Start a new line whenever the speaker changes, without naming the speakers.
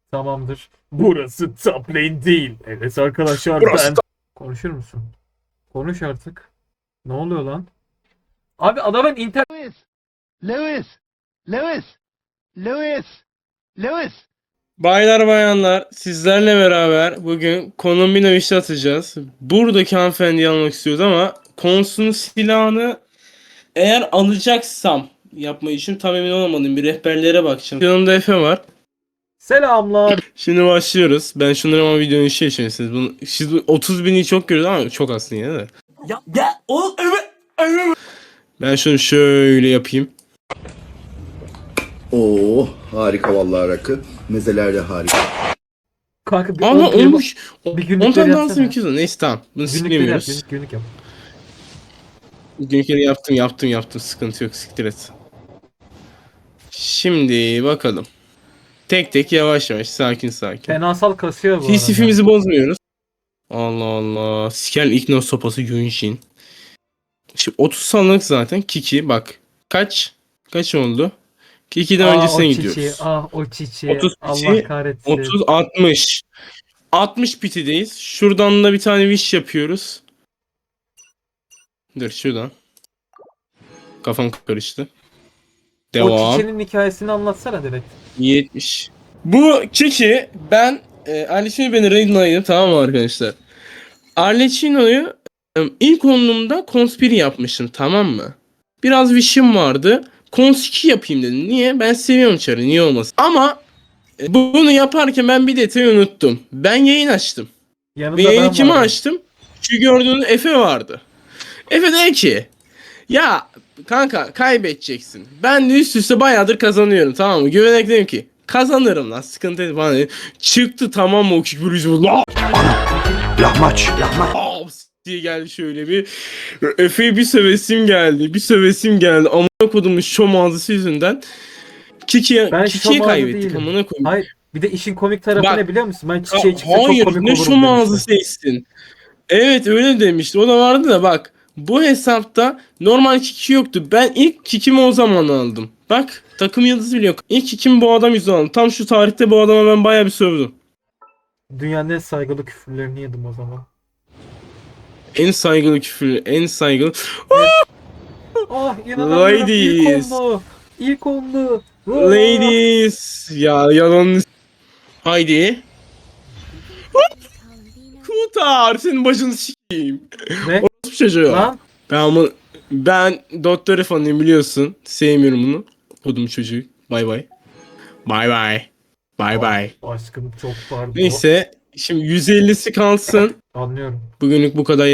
Tamamdır. Burası top lane değil. Evet arkadaşlar
Burası
ben... Konuşur musun? Konuş artık. Ne oluyor lan? Abi adamın internet...
Lewis, Lewis, Lewis, Lewis, Lewis.
Baylar bayanlar sizlerle beraber bugün kombino işi atacağız. Buradaki hanımefendiyi almak istiyoruz ama konsunun silahını eğer alacaksam yapmayı için tam emin olamadım. Bir rehberlere bakacağım. Yanımda Efe var.
Selamlar.
Şimdi başlıyoruz. Ben şunları ama videonun işi yaşayın. Siz bu 30 bini çok görüyoruz ama çok aslında yine de.
Ya o evet.
Ben şunu şöyle yapayım.
Oo, harika vallahi rakı. Mezeler de harika.
Kanka bir
Ama
10
olmuş.
bir
10
günlükleri
tane daha
yapsana.
aslında 200. Neyse tamam. Bunu
Günlükleri yap,
siklemiyoruz.
günlük yap.
Günlükleri yaptım. Sıkıntı yok. Siktir et. Şimdi bakalım. Tek tek yavaş yavaş sakin.
Fenasal kasıyor bu arada.
Hisifimizi bozmuyoruz. Allah Allah. Sikel Ignos sopası Yunshin. Şimdi 30 sandık zaten. Kiki bak. Kaç oldu? Kiki'den öncesine
o
gidiyoruz.
çiçeği, o çiçeği.
30
Allah
piti,
kahretsin.
30, 60. 60 pitideyiz. Şuradan da bir tane wish yapıyoruz. Dur şuradan. Kafam karıştı.
O
Devam.
çiçeğin hikayesini anlatsana direkt.
70. Bu Kiki ben Arlecchino beni raidlaydım tamam mı arkadaşlar? Arlecchino'yu ilk onluğumda konspiri yapmıştım tamam mı? Biraz wish'im vardı. Cons 2 yapayım dedim. Niye? Ben seviyorum çarı. Niye olmasın? Ama bunu yaparken ben bir detayı unuttum. Ben yayın açtım.
Yanında
Ve yayını
ben
kime
varım.
açtım? Şu gördüğünüz Efe vardı. Efe dedi ki ya kanka kaybedeceksin. Ben de üst üste bayağıdır kazanıyorum tamam mı? Güvenerek dedim ki kazanırım lan sıkıntı değil falan dedi. Çıktı tamam mı o küfür la
Lahmaç.
diye geldi şöyle bir. Efe'ye bir sövesim geldi. Amına kodumun şom ağzısı yüzünden. Kiki'ye
Ben
Kiki'ye
şom ağzı
kaybettik
değilim.
amına koyayım.
Hayır. Bir de işin komik tarafı
Bak,
ne biliyor musun? Ben çiçeği çıksa çok
Hayır
komik
ne
olurum
şom ağzı
demiştim.
seçtin. Evet öyle demişti. O da vardı da bak. Bu hesapta normal kiki yoktu. Ben ilk kikimi o zaman aldım. Bak takım yıldızı bile yok. İlk kikimi bu adam yüzünden aldım. Tam şu tarihte bu adama ben bayağı bir sövdüm.
Dünyanın en saygılı küfürlerini yedim o zaman.
En saygılı küfür, en saygılı.
Ah inanamıyorum.
Ladies.
İlk onlu.
Ladies. Ya yalan. Haydi. Kurtar senin başını sikeyim.
Ne?
Bu çocuğu.
Lan?
Ben Doktor fanıyım biliyorsun. Sevmiyorum bunu. Kodum çocuğu. Bay bay. Bay bay. Bay bay.
Aşkım çok pardon.
Neyse şimdi 150'si kalsın.
Anlıyorum.
Bugünlük bu kadar.